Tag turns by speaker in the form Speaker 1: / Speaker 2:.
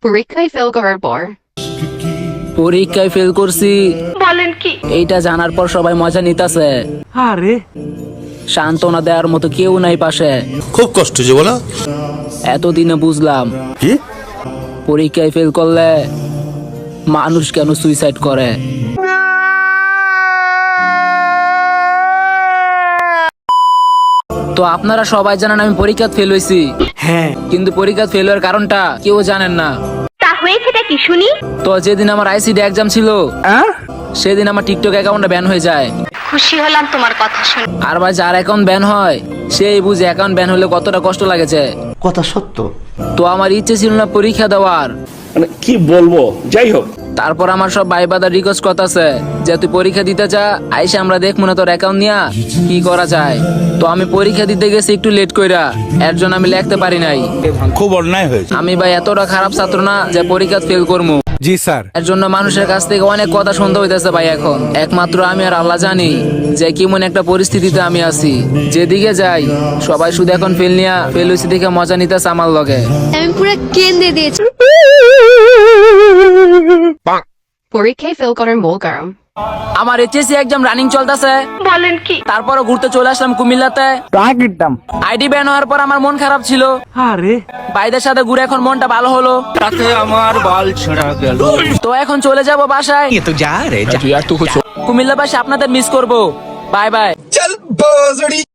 Speaker 1: পরীক্ষায় ফেল করার পর
Speaker 2: পরীক্ষায় ফেল করছি
Speaker 1: বলেন কি?
Speaker 2: এইটা জানার পর সবাই মজা নিতেছে।
Speaker 3: আরে
Speaker 2: সান্ত্বনা দেওয়ার মতো কেউ নাই পাশে।
Speaker 4: খুব কষ্ট যে বলো।
Speaker 2: এতদিনে বুঝলাম
Speaker 4: কি
Speaker 2: পরীক্ষায় ফেল করলে মানুষ কেন সুইসাইড করে। তো আপনারা সবাই জানেন আমি পরীক্ষা ফেল হয়েছি,
Speaker 3: হ্যাঁ,
Speaker 2: কিন্তু পরীক্ষা ফেল হওয়ার কারণটা কেউ জানেন না।
Speaker 1: তা হয়েছেটা কি শুনি?
Speaker 2: তো যেদিন আমার আইসিডি এক্সাম ছিল সেদিন আমার টিকটক অ্যাকাউন্টটা ব্যান হয়ে যায়।
Speaker 1: খুশি হলাম তোমার কথা শুনে।
Speaker 2: আর ভাই যার অ্যাকাউন্ট ব্যান হয় সেই বুঝে অ্যাকাউন্ট ব্যান হলে কতটা কষ্ট লাগেছে।
Speaker 5: কথা সত্য।
Speaker 2: তো আমার ইচ্ছে ছিল না পরীক্ষা দেওয়ার।
Speaker 6: মানে কি বলবো, যাই হোক।
Speaker 2: তারপর আমার সব ভাই বাদার রিকোয়েস্ট করতেছে যে তুই পরীক্ষা দিতে চা, আইসা আমরা দেখবো না তোর অ্যাকাউন্ট নিয়া কি করা যায়। তো আমি পরীক্ষা দিতে গেছি একটু লেট কইরা, এর জন্য আমি লিখতে পারি নাই।
Speaker 4: খুব অন্যায় হয়েছে।
Speaker 2: আমি ভাই এতটা খারাপ ছাত্র না যে পরীক্ষা ফেল করবো।
Speaker 3: জি স্যার।
Speaker 2: এর জন্য মানুষের কাছ থেকে অনেক কথা শুনতে হইতেছে ভাই। এখন একমাত্র আমি আর আল্লাহ জানি যে কেমন একটা পরিস্থিতিতে আমি আছি। যেদিকে যাই সবাই শুধু এখন ফেল নিয়া ফেল হয়েছে দেখে মজা নিতেছে আমার লগে।
Speaker 7: আমি পুরো কেঁদে দিয়েছি।
Speaker 1: পরীক্ষায় ফেল করার মূল কারণ
Speaker 2: আমার এইচএসসি এক্সাম রানিং চলতেছে,
Speaker 1: বলেন কি?
Speaker 2: তারপরও ঘুরতে চলে আসলাম কুমিল্লাতে। আইডি ব্যান হওয়ার পর আমার মন খারাপ ছিল,
Speaker 3: আরে
Speaker 2: ভাইদের সাথে ঘুরে এখন মনটা ভালো হলো।
Speaker 4: তাতে আমার বাল ছেঁড়া গেল।
Speaker 2: তো এখন চলে যাব বাসায়। কুমিল্লা বাসে আপনাদের মিস করবো। Bye by.